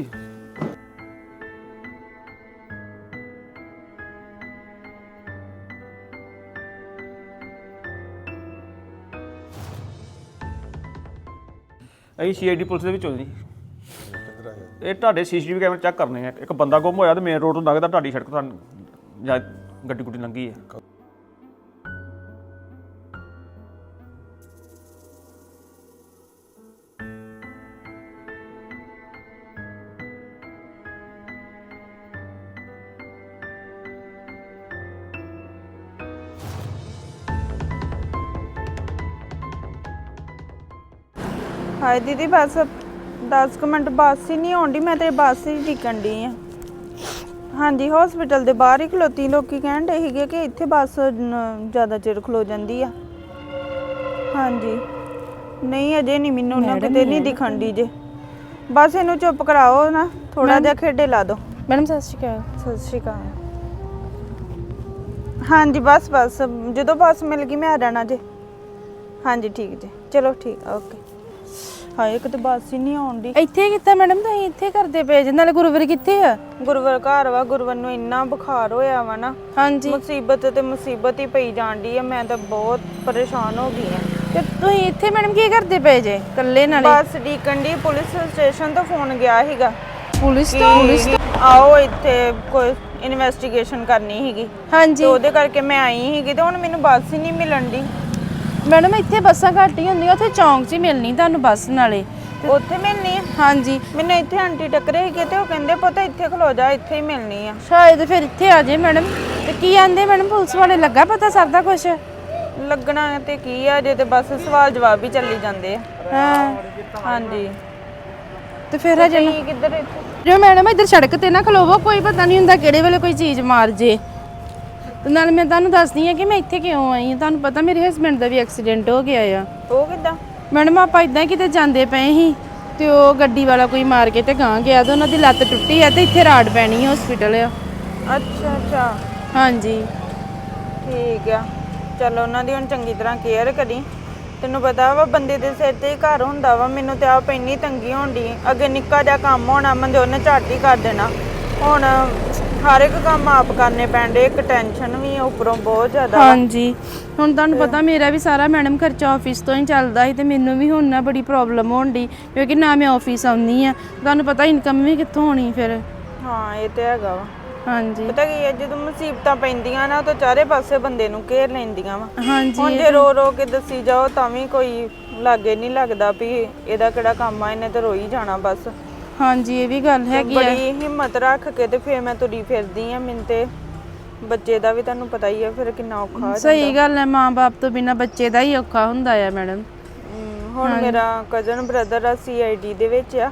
G: ਅਸੀਂ ਸੀਆਈਡੀ ਪੁਲਿਸ ਦੇ ਵਿੱਚ ਹੋ ਜੀ। ਇਹ ਤੁਹਾਡੇ ਸੀਸੀਟੀਵੀ ਕੈਮਰੇ ਚੈੱਕ ਕਰਨੇ ਆ। ਇੱਕ ਬੰਦਾ ਗੁੰਮ ਹੋਇਆ ਤੇ ਮੇਨ ਰੋਡ ਤੋਂ ਲੰਘਦਾ ਤੁਹਾਡੀ ਸੜਕ ਤੋਂ ਜਾਂ ਗੱਡੀ ਗੁੱਡੀ ਲੰਘੀ ਹੈ।
H: ਹਾਏ ਦੀਦੀ ਬਸ 10 ਮਿੰਟ ਬੱਸ ਹੀ ਨਹੀਂ ਆਉਂਦੀ, ਮੈਂ ਤੇ ਬੱਸ ਹੀ ਟਿਕਣ ਡਈ ਆ। ਹਾਂਜੀ ਹਸਪੀਟਲ ਦੇ ਬਾਹਰ ਹੀ ਖਲੋਤੀ, ਲੋਕੀ ਕਹਿਣ ਡੇ ਸੀਗੇ ਕਿ ਇੱਥੇ ਬੱਸ ਜ਼ਿਆਦਾ ਚਿਰ ਖਲੋ ਜਾਂਦੀ ਆ। ਹਾਂਜੀ ਨਹੀਂ ਅਜੇ ਨਹੀਂ, ਮੈਨੂੰ ਨਾ ਕਿਤੇ ਨਹੀਂ ਦਿਖਣ ਦੀ ਜੇ। ਬਸ ਇਹਨੂੰ ਚੁੱਪ ਕਰਾਓ ਨਾ, ਥੋੜਾ ਜਿਹਾ ਖੇਡੇ ਲਾ ਦਿਓ।
I: ਮੈਡਮ ਸਤਿ ਸ਼੍ਰੀ ਅਕਾਲ।
H: ਸਤਿ ਸ਼੍ਰੀ ਅਕਾਲ। ਹਾਂਜੀ ਬਸ ਜਦੋਂ ਬੱਸ ਮਿਲ ਗਈ ਮੈਂ ਆ ਜਾਣਾ ਜੇ। ਹਾਂਜੀ ਠੀਕ ਜੇ, ਚਲੋ ਠੀਕ, ਓਕੇ। ਹਾਏ ਇੱਕ ਤਾਂ ਬੱਸ ਹੀ ਨਹੀਂ ਆਉਂਦੀ।
I: ਇੱਥੇ ਕੀਤਾ ਮੈਡਮ ਤੁਸੀਂ? ਇੱਥੇ ਕਰਦੇ ਪਏ ਜੇ? ਨਾਲੇ ਗੁਰੂਵਰ ਕਿੱਥੇ ਆ?
H: ਗੁਰੂਵਰ ਘਰ ਵਾ। ਗੁਰੂਵਰ ਨੂੰ ਇੰਨਾ ਬੁਖਾਰ ਹੋਇਆ ਵਾ ਨਾ,
I: ਹਾਂਜੀ
H: ਮੁਸੀਬਤ ਤੇ ਮੁਸੀਬਤ ਹੀ ਪਈ ਜਾਂਦੀ ਆ। ਮੈਂ ਤਾਂ ਬਹੁਤ ਪਰੇਸ਼ਾਨ ਹੋ ਗਈ ਆ।
I: ਤੇ ਤੁਸੀਂ ਇੱਥੇ ਮੈਡਮ ਕੀ ਕਰਦੇ ਪਏ ਜੇ ਇਕੱਲੇ? ਨਾਲੇ
H: ਬੱਸ ਡੀਕਨ ਦੀ, ਪੁਲਿਸ ਸਟੇਸ਼ਨ ਤੋਂ ਫੋਨ ਗਿਆ ਸੀਗਾ।
I: ਪੁਲਿਸ ਤੋਂ
H: ਆਓ ਇੱਥੇ ਕੋਈ ਇਨਵੈਸਟੀਗੇਸ਼ਨ ਕਰਨੀ ਸੀਗੀ।
I: ਹਾਂਜੀ
H: ਤੇ ਉਹਦੇ ਕਰਕੇ ਮੈਂ ਆਈ ਸੀਗੀ ਤੇ ਹੁਣ ਮੈਨੂੰ ਬੱਸ ਹੀ ਨਹੀਂ ਮਿਲਣ ਦੀ।
I: ਮੈਡਮ ਇੱਥੇ ਬੱਸਾਂ ਘੱਟ ਹੀ ਹੁੰਦੀਆਂ, ਉੱਥੇ ਚੌਂਕ 'ਚ ਹੀ ਮਿਲਣੀ ਤੁਹਾਨੂੰ ਬੱਸ। ਨਾਲੇ
H: ਉੱਥੇ ਮਿਲਣੀ ਆ?
I: ਹਾਂਜੀ
H: ਮੈਨੂੰ ਇੱਥੇ ਆਂਟੀ ਟੱਕਰੇ ਸੀਗੇ ਤੇ ਉਹ ਕਹਿੰਦੇ ਪੁੱਤ ਇੱਥੇ ਖਲੋ ਜਾ, ਇੱਥੇ ਹੀ ਮਿਲਣੀ ਆ।
I: ਸ਼ਾਇਦ ਫਿਰ ਇੱਥੇ ਆ ਜੇ ਮੈਡਮ। ਤੇ ਕੀ ਆਂਦੇ ਮੈਡਮ ਪੁਲਿਸ ਵਾਲੇ? ਲੱਗਾ ਪਤਾ ਸਰਦਾ ਕੁਛ?
H: ਲੱਗਣਾ ਤੇ ਕੀ ਆ, ਜੇ ਤੇ ਬਸ ਸਵਾਲ ਜਵਾਬ ਹੀ ਚੱਲੀ ਜਾਂਦੇ ਆ।
I: ਹਾਂ
H: ਹਾਂਜੀ
I: ਤੇ ਫਿਰ ਹਜੇ
H: ਤੁਸੀਂ ਕਿੱਧਰ ਇੱਥੇ
I: ਜੋ ਮੈਡਮ ਇੱਧਰ ਸੜਕ ਤੇ ਨਾ ਖਲੋਵੋ, ਕੋਈ ਪਤਾ ਨਹੀਂ ਹੁੰਦਾ ਕਿਹੜੇ ਵੇਲੇ ਕੋਈ ਚੀਜ਼ ਮਾਰ ਜੇ। ਤੇ ਨਾਲ ਮੈਂ ਤੁਹਾਨੂੰ ਦੱਸਦੀ ਆ ਕਿ ਮੈਂ ਇੱਥੇ ਕਿਉਂ ਆਈ ਹਾਂ। ਤੁਹਾਨੂੰ ਪਤਾ ਮੇਰੇ ਹਸਬੰਡ ਦਾ ਵੀ ਐਕਸੀਡੈਂਟ ਹੋ ਗਿਆ ਆ।
H: ਉਹ ਕਿੱਦਾਂ?
I: ਮੈਡਮ ਆਪਾਂ ਇਦਾਂ ਕਿਤੇ ਜਾਂਦੇ ਪਏ ਸੀ ਤੇ ਉਹ ਗੱਡੀ ਵਾਲਾ ਕੋਈ ਮਾਰ ਕੇ ਤੇ ਗਾਂ ਗਿਆ ਤੇ ਉਹਨਾਂ ਦੀ ਲੱਤ ਟੁੱਟੀ ਆ ਤੇ ਇੱਥੇ ਰਾੜ ਪੈਣੀ ਹਸਪੀਟਲ ਆ।
H: ਅੱਛਾ
I: ਹਾਂਜੀ
H: ਠੀਕ ਆ। ਚਲੋ ਉਹਨਾਂ ਦੀ ਹੁਣ ਚੰਗੀ ਤਰ੍ਹਾਂ ਕੇਅਰ ਕਰੀ। ਤੈਨੂੰ ਪਤਾ ਵਾ ਬੰਦੇ ਦੇ ਸਿਰ ਤੇ ਹੀ ਘਰ ਹੁੰਦਾ ਵਾ। ਮੈਨੂੰ ਤੇ ਆਪ ਇੰਨੀ ਤੰਗੀ ਹੁੰਦੀ, ਅੱਗੇ ਨਿੱਕਾ ਜਿਹਾ ਕੰਮ ਹੋਣਾ ਮੰਦੇ ਉਹਨੇ ਝੱਟ ਹੀ ਕਰ ਦੇਣਾ। ਹੁਣ ਹਰ ਇੱਕ ਕੰਮ ਆਪ ਕਰਨੇ ਪੈਂਦੇ, ਇੱਕ ਟੈਨਸ਼ਨ ਵੀ ਉੱਪਰੋਂ ਬਹੁਤ ਜ਼ਿਆਦਾ ਵਾ।
I: ਹਾਂਜੀ ਹੁਣ ਤੁਹਾਨੂੰ ਪਤਾ ਮੇਰਾ ਵੀ ਸਾਰਾ ਮੈਡਮ ਖਰਚਾ ਆਫਿਸ ਤੋਂ ਹੀ ਚੱਲਦਾ ਸੀ ਤੇ ਮੈਨੂੰ ਵੀ ਹੁਣ ਨਾ ਬੜੀ ਪ੍ਰੋਬਲਮ ਹੋਣ ਡਈ ਕਿਉਂਕਿ ਨਾ ਮੈਂ ਆਫਿਸ ਆਉਂਦੀ ਆ। ਤੁਹਾਨੂੰ ਪਤਾ ਇਨਕਮ ਵੀ ਕਿੱਥੋਂ ਹੋਣੀ ਫਿਰ।
H: ਹਾਂ ਇਹ ਤੇ ਹੈਗਾ ਵਾ।
I: ਹਾਂਜੀ
H: ਪਤਾ ਕੀ ਹੈ, ਜਦੋਂ ਮੁਸੀਬਤਾਂ ਪੈਂਦੀਆਂ ਨਾ ਤਾਂ ਚਾਰੇ ਪਾਸੇ ਬੰਦੇ ਨੂੰ ਘੇਰ ਲੈਂਦੀਆਂ ਵਾ।
I: ਹਾਂਜੀ
H: ਹੁਣ ਜੇ ਰੋ ਰੋ ਕੇ ਦੱਸੀ ਜਾਓ ਤਾਂ ਵੀ ਕੋਈ ਲਾਗੇ ਨਹੀਂ ਲੱਗਦਾ ਵੀ ਇਹਦਾ ਕਿਹੜਾ ਕੰਮ ਆ, ਇਹਨੇ ਤਾਂ ਰੋਈ ਜਾਣਾ ਬਸ।
I: ਹਾਂਜੀ ਇਹ ਵੀ ਗੱਲ ਹੈਗੀ ਆ।
H: ਬੜੀ ਹਿੰਮਤ ਰੱਖ ਕੇ ਤੇ ਫਿਰ ਮੈਂ ਤੁਰੀ ਫਿਰਦੀ ਆ। ਮੈਨੂੰ ਤੇ ਬੱਚੇ ਦਾ ਵੀ ਤੁਹਾਨੂੰ ਪਤਾ ਹੀ ਆ ਫਿਰ ਕਿੰਨਾ ਔਖਾ ਹੋ ਜਾਂਦਾ।
I: ਸਹੀ ਗੱਲ ਹੈ, ਮਾਂ-ਬਾਪ ਤੋਂ ਬਿਨਾ ਬੱਚੇ ਦਾ ਹੀ ਔਖਾ ਹੁੰਦਾ ਆ ਮੈਡਮ।
H: ਹੁਣ ਮੇਰਾ ਕਜ਼ਨ ਬ੍ਰਦਰ ਆ CID ਦੇ ਵਿੱਚ ਆ।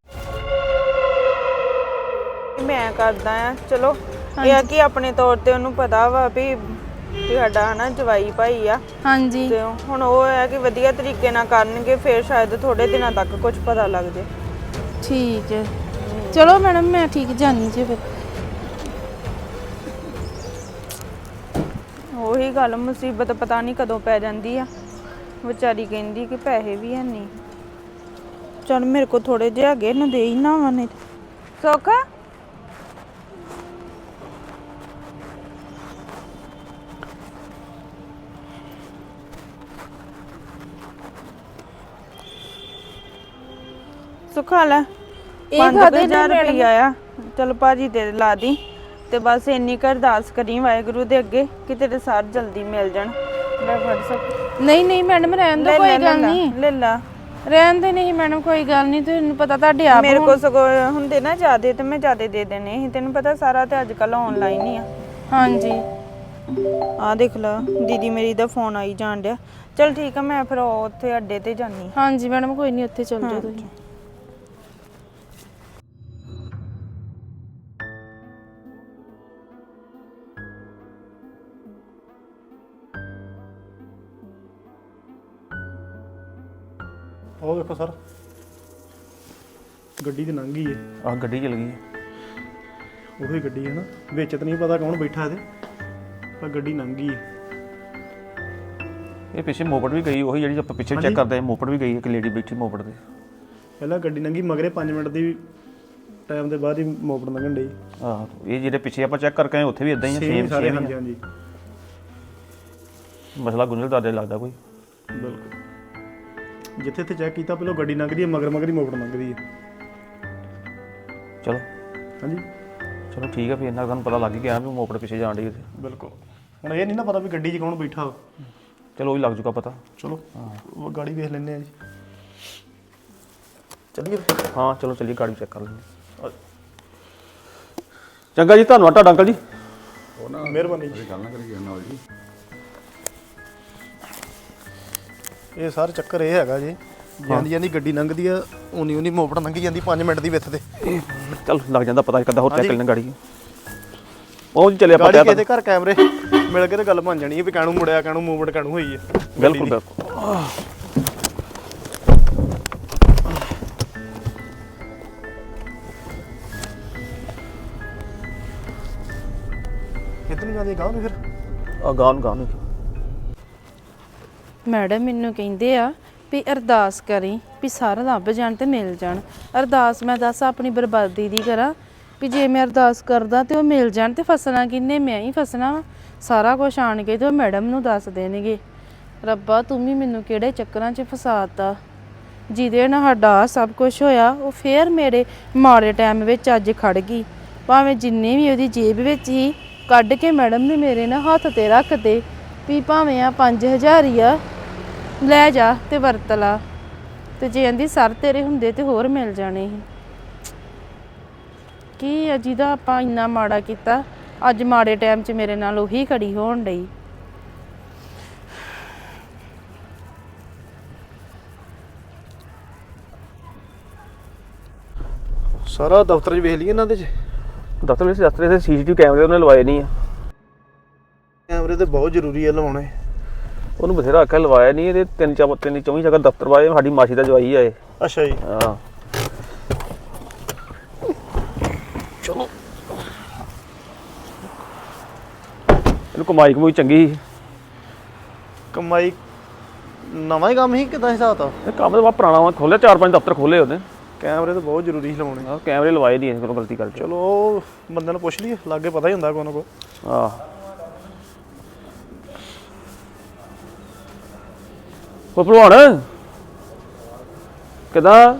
H: ਮੈਂ ਕਰਦਾ ਆ ਚਲੋ ਇਹ ਆ ਕਿ ਆਪਣੇ ਤੌਰ ਤੇ ਉਹਨੂੰ ਪਤਾ ਵਾ ਵੀ ਸਾਡਾ ਹਨਾ ਜਵਾਈ ਭਾਈ ਆ।
I: ਹਾਂਜੀ
H: ਤੇ ਹੁਣ ਉਹ ਹੈ ਕਿ ਵਧੀਆ ਤਰੀਕੇ ਨਾਲ ਕਰਨਗੇ ਫਿਰ ਸ਼ਾਇਦ ਥੋੜੇ ਦਿਨਾਂ ਤੱਕ ਕੁਝ ਪਤਾ ਲੱਗ ਜੇ।
I: ਠੀਕ ਹੈ ਚਲੋ ਮੈਡਮ ਮੈਂ ਠੀਕ ਜਾਣੀ ਜੀ ਫਿਰ।
H: ਉਹੀ ਗੱਲ, ਮੁਸੀਬਤ ਪਤਾ ਨਹੀਂ ਕਦੋਂ ਪੈ ਜਾਂਦੀ ਆ। ਵਿਚਾਰੀ ਕਹਿੰਦੀ ਕਿ ਪੈਸੇ ਵੀ ਹੈ ਨਹੀਂ। ਚਲ ਮੇਰੇ ਕੋਲ ਥੋੜੇ ਜਿਹੇ ਹੈਗੇ ਨਾ ਦੇ ਹੀ ਨਾ ਵਨੇ ਸੁੱਖ। ਸੁਖਾ ਲੈ
I: ਇਹ
H: 5000 ਰੁਪਇਆ ਆ। ਚਲ ਭਾਜੀ ਤੇ ਲਾ ਦੀ ਤੇ ਬਸ ਇੰਨੀ ਕੁ ਅਰਦਾਸ ਕਰੀ ਵਾਹਿਗੁਰੂ ਦੇ ਅੱਗੇ ਕਿ ਤੇਰੇ ਸਾਰ ਜਲਦੀ ਮਿਲ ਜਾਣ। ਲੈ ਫੜ ਸੁੱਖ।
I: ਨਹੀਂ ਨਹੀਂ ਮੈਡਮ ਰਹਿਣ ਦੋ, ਕੋਈ ਗੱਲ ਨਹੀਂ।
H: ਲੈ ਲਾ
I: ਰਹਿਣ ਦੇ ਨਹੀਂ ਮੈਡਮ ਕੋਈ ਗੱਲ ਨਹੀਂ। ਤੁਹਾਨੂੰ ਪਤਾ ਤੁਹਾਡੇ ਆਪ
H: ਮੇਰੇ ਕੋਲ ਸਗੋਂ ਹੁੰਦੇ ਨਾ ਜ਼ਿਆਦੇ ਤੇ ਮੈਂ ਜ਼ਿਆਦੇ ਦੇ ਦੇਣੇ ਸੀ। ਤੈਨੂੰ ਪਤਾ ਸਾਰਾ ਤੇ ਅੱਜ ਕੱਲ ਆਨਲਾਈਨ ਹੀ ਆ।
I: ਹਾਂਜੀ
H: ਆ ਦੇਖ ਲਾ ਦੀਦੀ ਮੇਰੀ ਦਾ ਫੋਨ ਆਈ ਜਾਣ ਡਿਆ। ਚਲ ਠੀਕ ਆ ਮੈਂ ਫਿਰ ਉੱਥੇ ਅੱਡੇ ਤੇ ਜਾਨੀ।
I: ਹਾਂਜੀ ਮੈਡਮ ਕੋਈ ਨਹੀਂ, ਉੱਥੇ ਚੱਲ ਜਾਓ ਤੁਸੀਂ।
J: ਉਹ ਵੇਖੋ ਸਰ ਗੱਡੀ ਤੇ ਲੰਘ ਗਈ ਹੈ।
G: ਆਹ ਗੱਡੀ ਚਲ ਗਈ
J: ਉਹੀ ਗੱਡੀ ਹੈ ਨਾ, ਵਿੱਚ ਤਾਂ ਨਹੀਂ ਪਤਾ ਕੌਣ ਬੈਠਾ ਇਹਦੇ, ਪਰ ਗੱਡੀ ਲੰਘ ਗਈ ਹੈ।
G: ਇਹ ਪਿੱਛੇ ਮੋਪੜ ਵੀ ਗਈ, ਉਹੀ ਜਿਹੜੀ ਆਪਾਂ ਪਿੱਛੇ ਚੈੱਕ ਕਰਦੇ ਆ ਮੋਪੜ ਵੀ ਗਈ, ਇੱਕ ਲੇਡੀ ਬੈਠੀ ਮੋਪੜ ਤੇ।
J: ਪਹਿਲਾਂ ਗੱਡੀ ਲੰਘੀ ਮਗਰੇ 5 ਮਿੰਟ ਦੀ ਟਾਈਮ ਦੇ ਬਾਅਦ ਹੀ ਮੋਪੜ ਲੰਘਣ ਡਈ।
G: ਆਹ ਇਹ ਜਿਹੜੇ ਪਿੱਛੇ ਆਪਾਂ ਚੈੱਕ ਕਰਕੇ ਆਏ ਉੱਥੇ ਵੀ ਇਦਾਂ ਹੀ ਆ, ਸੇਮ
J: ਸਾਰੇ।
G: ਸੇਮ
J: ਹਾਂਜੀ ਹਾਂਜੀ
G: ਮਸਲਾ ਗੁੰਝਲਦਾਰ ਜਿਹਾ ਲੱਗਦਾ ਕੋਈ।
J: ਬਿਲਕੁਲ ਜਿੱਥੇ ਇੱਥੇ ਚੈੱਕ ਕੀਤਾ ਪਹਿਲਾਂ ਗੱਡੀ ਲੰਘਦੀ ਹੈ, ਮਗਰ ਹੀ ਮੋਪੜ ਲੰਘਦੀ ਹੈ।
G: ਚਲੋ
J: ਹਾਂਜੀ
G: ਚਲੋ ਠੀਕ ਆ, ਫਿਰ ਇੰਨਾ ਤੁਹਾਨੂੰ ਪਤਾ ਲੱਗ ਹੀ ਗਿਆ ਵੀ ਮੋਪੜ ਪਿੱਛੇ ਜਾਣ ਡਈ ਉੱਥੇ।
J: ਬਿਲਕੁਲ ਹੁਣ ਇਹ ਨਹੀਂ ਨਾ ਪਤਾ ਵੀ ਗੱਡੀ 'ਚ ਕੌਣ ਬੈਠਾ।
G: ਚਲੋ ਉਹ ਵੀ ਲੱਗ ਜੂਗਾ ਪਤਾ।
J: ਚਲੋ ਉਹ ਗਾੜੀ ਵੇਖ ਲੈਂਦੇ ਆ ਜੀ। ਚੱਲੀਏ
G: ਹਾਂ ਚਲੋ ਚੱਲੀਏ, ਗਾੜੀ ਚੈੱਕ ਕਰ ਲੈਂਦੇ। ਚੰਗਾ ਜੀ, ਧੰਨਵਾਦ ਤੁਹਾਡਾ ਅੰਕਲ ਜੀ।
J: ਮਿਹਰਬਾਨੀ ਜੀ।
C: ਗੱਲ ਨਾ ਕਰੀ ਨਾਲ ਜੀ।
J: ਇਹ ਸਾਰਾ ਚੱਕਰ ਇਹ ਹੈਗਾ ਜੀ, ਜਾਂਦੀ ਗੱਡੀ ਲੰਘਦੀ ਆ ਉਨੀ ਮੋਪੜ ਲੰਘੀ ਜਾਂਦੀ 5 ਮਿੰਟ ਦੀ ਵਿੱਚ ਤੇ।
G: ਚੱਲ ਲੱਗ ਜਾਂਦਾ ਪਤਾ, ਇੱਕ ਅੱਧਾ ਹੋਰ ਚੈੱਕ ਕਰ ਲੈਣਾ ਗਾੜੀ। ਉਹ ਜੀ ਚੱਲੇ ਆਪਾਂ
J: ਗਾੜੀ ਕਿਤੇ ਘਰ ਕੈਮਰੇ ਮਿਲ ਕੇ ਤੇ ਗੱਲ ਬਣ ਜਾਣੀ ਹੈ ਵੀ ਕਾਹਨੂੰ ਮੁੜਿਆ, ਕਾਹਨੂੰ ਮੂਵਮੈਂਟ ਕਾਹਨੂੰ ਹੋਈ ਹੈ।
G: ਬਿਲਕੁਲ ਬਿਲਕੁਲ।
J: ਕਿੱਧਰ ਜਾਂਦੀ ਗਾਹ ਨੂੰ ਫਿਰ?
G: ਆ ਗਾਂ ਨੂੰ
I: ਮੈਡਮ ਮੈਨੂੰ ਕਹਿੰਦੇ ਆ ਵੀ ਅਰਦਾਸ ਕਰੀ ਵੀ ਸਾਰਾ ਲੱਭ ਜਾਣ ਤੇ ਮਿਲ ਜਾਣ। ਅਰਦਾਸ ਮੈਂ ਦੱਸ ਆਪਣੀ ਬਰਬਾਦੀ ਦੀ ਕਰਾਂ ਵੀ ਜੇ ਮੈਂ ਅਰਦਾਸ ਕਰਦਾ ਤੇ ਉਹ ਮਿਲ ਜਾਣ ਤੇ ਫਸਣਾ ਕਿੰਨੇ? ਮੈਂ ਹੀ ਫਸਣਾ ਵਾ। ਸਾਰਾ ਕੁਝ ਆਣ ਕੇ ਤੇ ਉਹ ਮੈਡਮ ਨੂੰ ਦੱਸ ਦੇਣਗੇ। ਰੱਬਾ ਤੂੰ ਵੀ ਮੈਨੂੰ ਕਿਹੜੇ ਚੱਕਰਾਂ 'ਚ ਫਸਾਤਾ ਜਿਹਦੇ ਨਾਲ ਸਾਡਾ ਸਭ ਕੁਝ ਹੋਇਆ। ਉਹ ਫੇਰ ਮੇਰੇ ਮਾੜੇ ਟਾਈਮ ਵਿੱਚ ਅੱਜ ਖੜ ਗਈ। ਭਾਵੇਂ ਜਿੰਨੇ ਵੀ ਉਹਦੀ ਜੇਬ ਵਿੱਚ ਹੀ ਕੱਢ ਕੇ ਮੈਡਮ ਨੇ ਮੇਰੇ ਨਾਲ ਹੱਥ ਤੇ ਰੱਖ ਦੇ ਵੀ ਭਾਵੇਂ ਆ 5000 ਹੀ ਆ, ਲੈ ਜਾ ਤੇ ਵਰਤ ਲਾ। ਤੇ ਜੇ ਕਹਿੰਦੀ ਸਰ ਤੇਰੇ ਹੁੰਦੇ ਤੇ ਹੋਰ ਮਿਲ ਜਾਣੇ ਸੀ। ਕੀ ਆ ਜਿਹਦਾ ਆਪਾਂ ਇੰਨਾ ਮਾੜਾ ਕੀਤਾ, ਅੱਜ ਮਾੜੇ ਟਾਈਮ 'ਚ ਮੇਰੇ ਨਾਲ ਉਹੀ ਖੜੀ ਹੋਣ ਡਈ।
J: ਸਾਰਾ ਦਫ਼ਤਰ 'ਚ ਵੇਖ ਲਈਏ ਇਹਨਾਂ ਦੇ 'ਚ
G: ਦਫ਼ਤਰ ਦੇ ਸੀਸੀਟੀਵੀ ਕੈਮਰੇ ਉਹਨੇ ਲਵਾਏ ਨਹੀਂ ਆ।
J: ਕੈਮਰੇ ਤੇ ਬਹੁਤ ਜ਼ਰੂਰੀ ਆ ਲਵਾਉਣੇ।
G: ਉਹਨੂੰ ਬਥੇਰਾ ਆਖਿਆ ਲਵਾਇਆ ਨਹੀਂ। ਇਹਦੇ ਤਿੰਨ ਚੌਵੀ ਜਗ੍ਹਾ ਦਫ਼ਤਰ ਵਾਏ। ਸਾਡੀ ਮਾਸੀ ਦਾ ਜਵਾਈ ਆ ਇਹ।
J: ਅੱਛਾ ਜੀ।
G: ਹਾਂ ਚਲੋ ਇਹਨੂੰ ਕਮਾਈ ਚੰਗੀ ਸੀ।
J: ਕਮਾਈ ਨਵਾਂ ਹੀ ਕੰਮ ਹੀ ਕਿਦਾਂ ਹਿਸਾਬ ਤਾ?
G: ਇਹ ਕੰਮ ਤਾਂ ਬਹੁਤ ਪੁਰਾਣਾ ਵਾ। ਖੋਲਿਆ 4-5 ਦਫ਼ਤਰ ਖੋਲੇ ਉਹਨੇ।
J: ਕੈਮਰੇ ਤਾਂ ਬਹੁਤ ਜ਼ਰੂਰੀ ਸੀ ਲਵਾਉਣੇ।
G: ਆਹ ਕੈਮਰੇ ਲਵਾਏ ਨਹੀਂ ਕੋਲੋਂ ਗਲਤੀ ਕਰਕੇ।
J: ਚਲੋ ਉਹ ਬੰਦੇ ਨੂੰ ਪੁੱਛ ਲਈਏ, ਲਾਗੇ ਪਤਾ ਹੀ ਹੁੰਦਾ ਕੋਈ ਨਾ ਕੋਈ।
G: ਆਹ ਉਹ ਭਲਵਾਨ ਕਿੱਦਾਂ?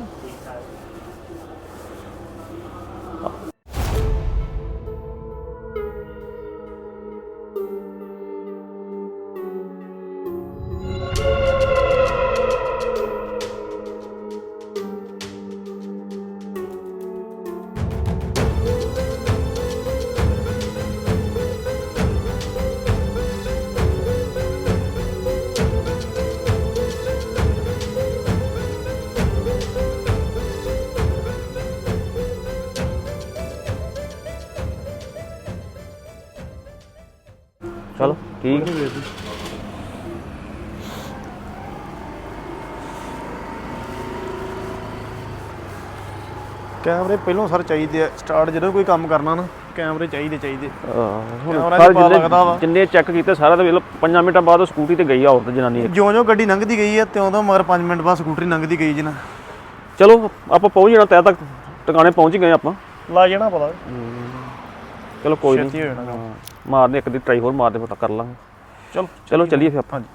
G: ਚਲੋ ਠੀਕ ਹੈ।
J: ਕੈਮਰੇ ਪਹਿਲਾਂ ਸਰ ਚਾਹੀਦੇ ਆ। ਸਟਾਰਟ ਜਦੋਂ ਕੋਈ ਕੰਮ ਕਰਨਾ ਨਾ ਕੈਮਰੇ ਚਾਹੀਦੇ।
G: ਹੁਣ
J: ਕੈਮਰਾ
G: ਸਾਰੇ
J: ਪਤਾ ਲੱਗਦਾ ਵਾ।
G: ਜਿੰਨੇ ਚੈੱਕ ਕੀਤੇ ਸਾਰਾ ਤਾਂ ਵੇਖ ਲਓ 5 ਮਿੰਟਾਂ ਬਾਅਦ ਉਹ ਸਕੂਟੀ ਤੇ ਗਈ ਆ ਔਰਤ ਜਨਾਨੀ।
J: ਜਿਉਂ ਗੱਡੀ ਲੰਘਦੀ ਗਈ ਆ ਤਿਉਂ ਤੋਂ ਮਗਰ 5 ਮਿੰਟ ਬਾਅਦ ਸਕੂਟਰੀ ਲੰਘਦੀ ਗਈ ਜੀ ਨਾ।
G: ਚਲੋ ਆਪਾਂ ਪਹੁੰਚ ਜਾਣਾ ਤੈ ਤੱਕ। ਟਿਕਾਣੇ ਪਹੁੰਚ ਗਏ ਆਪਾਂ।
J: ਲਾ ਜਾਣਾ ਪਤਾ।
G: ਚਲੋ ਕੋਈ
J: ਛੇਤੀ ਹੋ
G: ਨਹੀਂ।
J: ਜਾਣਾ ਕੰਮ।
G: ਮਾਰਦੇ ਇੱਕ ਦੀ ਟਰਾਈ ਹੋਰ ਮਾਰਦੇ ਪਤਾ ਕਰ ਲਾਂਗੇ। ਚਲੋ ਚੱਲੀਏ ਫਿਰ ਆਪਾਂ।